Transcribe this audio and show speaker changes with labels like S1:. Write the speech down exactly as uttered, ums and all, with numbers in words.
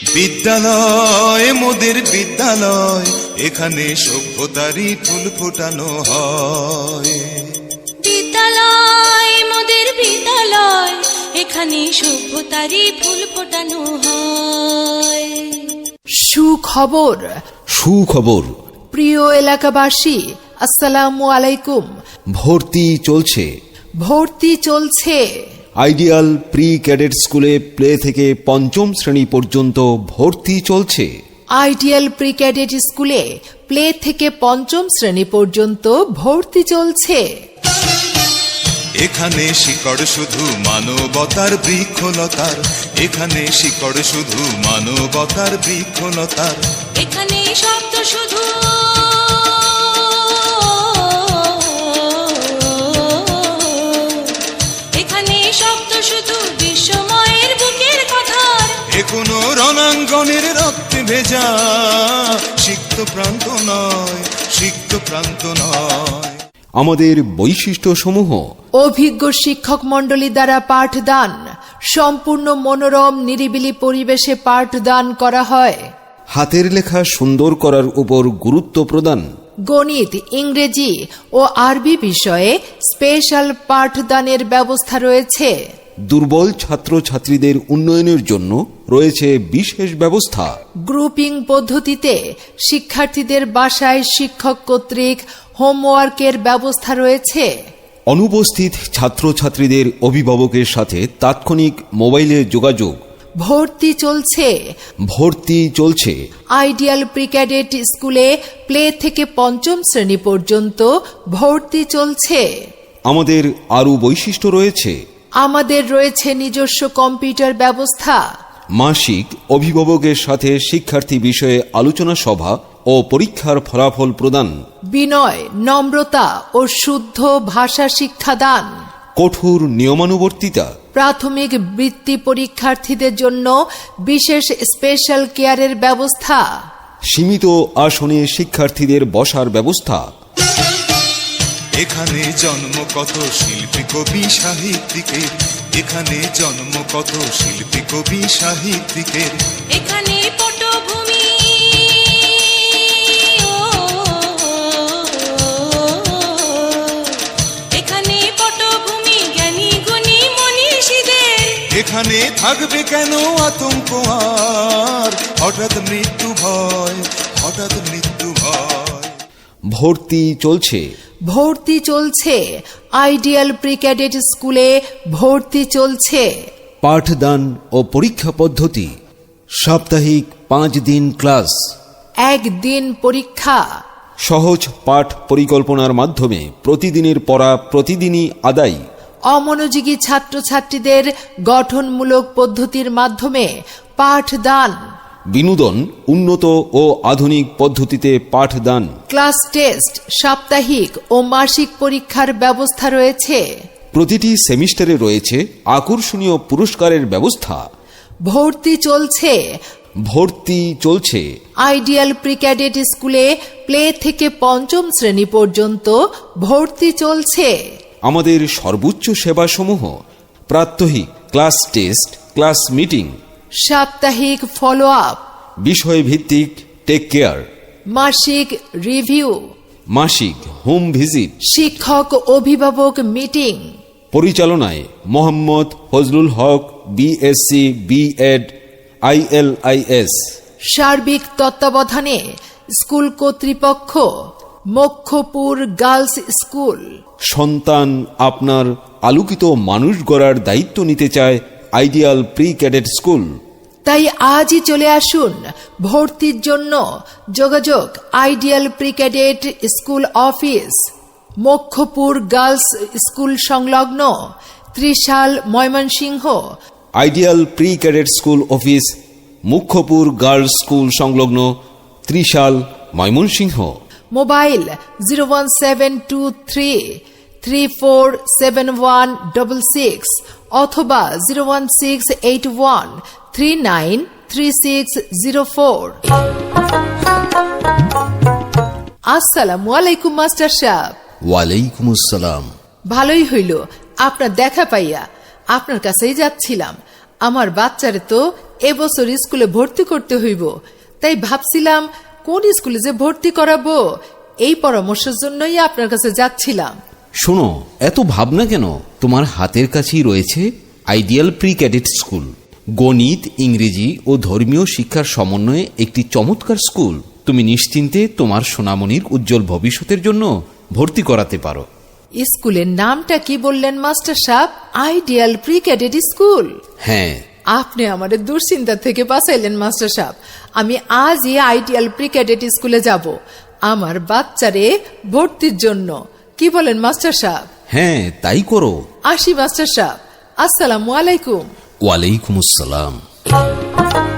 S1: বিদ্যালয় মোদের বিদ্যালয়, এখানে সভ্যতারই ফুল ফোটানো হয়।
S2: বিদ্যালয় মোদের বিদ্যালয়, এখানে সভ্যতারই ফুল ফোটানো হয়।
S3: সুখবর
S4: সুখবর
S3: প্রিয় এলাকাবাসী, আসসালামু আলাইকুম।
S4: ভর্তি চলছে
S3: ভর্তি চলছে
S4: আইডিয়াল প্রি ক্যাডেট স্কুলে প্লে থেকে পঞ্চম শ্রেণী পর্যন্ত ভর্তি চলছে।
S3: আইডিয়াল প্রি ক্যাডেট স্কুলে প্লে থেকে পঞ্চম শ্রেণী পর্যন্ত ভর্তি চলছে।
S1: এখানে শিকড় শুধু মানবতার বৃক্ষলতার, এখানে শিকড় শুধু মানবতার বৃক্ষলতার,
S2: এখানে শব্দ শুধু এখানে শব্দ শুধু বিশ্বময়ের বুকের কথার।
S1: এ কোনো রণাঙ্গনের রক্তে ভেজা সিক্ত প্রান্ত নয়, সিক্ত প্রান্ত নয়।
S4: আমাদের বৈশিষ্ট্য সমূহ:
S3: অভিজ্ঞ শিক্ষক মণ্ডলী দ্বারা পাঠদান, সম্পূর্ণ মনোরম নিরিবিলি পরিবেশে পাঠদান করা হয়।
S4: হাতের লেখা সুন্দর করার উপর গুরুত্ব প্রদান।
S3: গণিত, ইংরেজি ও আরবি বিষয়ে স্পেশাল পাঠদানের ব্যবস্থা রয়েছে।
S4: দুর্বল ছাত্রছাত্রীদের উন্নয়নের জন্য রয়েছে বিশেষ ব্যবস্থা।
S3: গ্রুপিং পদ্ধতিতে শিক্ষার্থীদের বাসায় শিক্ষক কর্তৃক হোমওয়ার্কের ব্যবস্থা রয়েছে।
S4: অনুপস্থিত ছাত্রছাত্রীদের অভিভাবকের সাথে তাৎক্ষণিক মোবাইলে যোগাযোগ।
S3: ভর্তি চলছে
S4: ভর্তি চলছে
S3: আইডিয়াল প্রি ক্যাডেট স্কুলে প্লে থেকে পঞ্চম শ্রেণী পর্যন্ত ভর্তি চলছে।
S4: আমাদের আরও বৈশিষ্ট্য রয়েছে:
S3: আমাদের রয়েছে নিজস্ব কম্পিউটার ব্যবস্থা।
S4: মাসিক অভিভাবকের সাথে শিক্ষার্থী বিষয়ে আলোচনা সভা ও পরীক্ষার ফলাফল প্রদান।
S3: বিনয়, নম্রতা ও শুদ্ধ ভাষা শিক্ষাদান।
S4: কঠোর নিয়মানুবর্তিতা।
S3: প্রাথমিক বৃত্তি পরীক্ষার্থীদের জন্য বিশেষ স্পেশাল কেয়ারের ব্যবস্থা।
S4: সীমিত আসনে শিক্ষার্থীদের বসার ব্যবস্থা।
S1: এখানে জন্ম কত শিল্পী কবি সাহিত্যিকের, এখানে জন্ম কত শিল্পী কবি সাহিত্যিকের,
S2: এখানে পটভূমি এখানে পটভূমি জ্ঞানী গুণী মনীষীদের।
S1: এখানে থাকবে কেন আতঙ্ক আর, হঠাৎ মৃত্যু ভয়, হঠাৎ মৃত্যু ভয়।
S4: ভর্তি চলছে
S3: ভর্তি চলছে আইডিয়াল প্রি ক্যাডেট স্কুলে ভর্তি চলছে।
S4: পাঠদান ও পরীক্ষা পদ্ধতি: সাপ্তাহিক পাঁচ দিন ক্লাস,
S3: একদিন পরীক্ষা।
S4: সহজ পাঠ পরিকল্পনার মাধ্যমে প্রতিদিনের পড়া প্রতিদিনই আদায়।
S3: অমনোযোগী ছাত্রছাত্রীদের গঠনমূলক পদ্ধতির মাধ্যমে পাঠদান।
S4: বিনোদন উন্নত ও আধুনিক পদ্ধতিতে পাঠদান।
S3: ক্লাস টেস্ট, সাপ্তাহিক ও মাসিক পরীক্ষার ব্যবস্থা রয়েছে।
S4: প্রতিটি সেমিস্টারে রয়েছে আকর্ষণীয় পুরস্কারের ব্যবস্থা।
S3: ভর্তি চলছে
S4: ভর্তি চলছে
S3: আইডিয়াল প্রি ক্যাডেট স্কুলে প্লে থেকে পঞ্চম শ্রেণী পর্যন্ত ভর্তি চলছে।
S4: আমাদের সর্বোচ্চ সেবাসমূহ: প্রাত্যহিক ক্লাস টেস্ট, ক্লাস মিটিং,
S3: সাপ্তাহিক ফলো আপ,
S4: বিষয়ভিত্তিক টেক কেয়ার,
S3: মাসিক রিভিউ,
S4: মাসিক হোম ভিজিট,
S3: শিক্ষক অভিভাবক মিটিং।
S4: পরিচালনায় Mohammad Fazlul Haque, BSc, BEd, ILIS.
S3: সার্বিক তত্ত্বাবধানে স্কুল কর্তৃপক্ষ, মক্ষপুর গার্লস স্কুল।
S4: সন্তান আপনার আলোকিত মানুষ গড়ার দায়িত্ব নিতে চায় আইডিয়াল প্রি ক্যাডেট স্কুল।
S3: তাই আজই চলে আসুন ভর্তির জন্য। যোগাযোগ ideal pre cadet school office, Mokkhapur girls school সংলগ্ন, Trishal, Mymensingh.
S4: Ideal pre cadet school office, Mukhyapur girls school সংলগ্ন, Trishal, Mymensingh.
S3: Mobile zero one seven two three three four seven one double six অথবা zero one six eight one three nine three six zero four. আসসালামু আলাইকুম master সাহেব।
S4: ওয়ালাইকুম আসসালাম।
S3: ভালোই হইল আপনার দেখা পাইয়া, আপনার কাছেই যাচ্ছিলাম। আমার বাচ্চারে তো এবছর স্কুলে ভর্তি করতে হইব, তাই ভাবছিলাম কোন স্কুলে যে ভর্তি করাবো, এই পরামর্শের জন্যই আপনার কাছে যাচ্ছিলাম।
S4: শোনো, এত ভাবনা কেন? তোমার হাতের কাছেই রয়েছে আইডিয়াল প্রি ক্যাডেট স্কুল। গণিত, ইংরেজি ও ধর্মীয় শিক্ষার সমন্বয়ে একটি চমৎকার স্কুল। তুমি নিশ্চিন্তে তোমার সোনামণির উজ্জ্বল ভবিষ্যতের জন্য ভর্তি করাতে পারো।
S3: স্কুলের নামটা কি বললেন মাস্টার সাহেব? Ideal pre cadet school?
S4: হ্যাঁ।
S3: আপনি আমাদের দুশ্চিন্তা থেকে বাঁচাইলেন মাস্টার সাহেব। আমি আজই আইডিয়াল প্রি ক্যাডেট স্কুলে যাব আমার বাচ্চারে ভর্তির জন্য। কি বলেন মাস্টার সাহেব?
S4: হ্যাঁ, তাই করো।
S3: আসি মাস্টার সাহেব, আসসালামু আলাইকুম।
S4: ওয়ালাইকুম আসসালাম।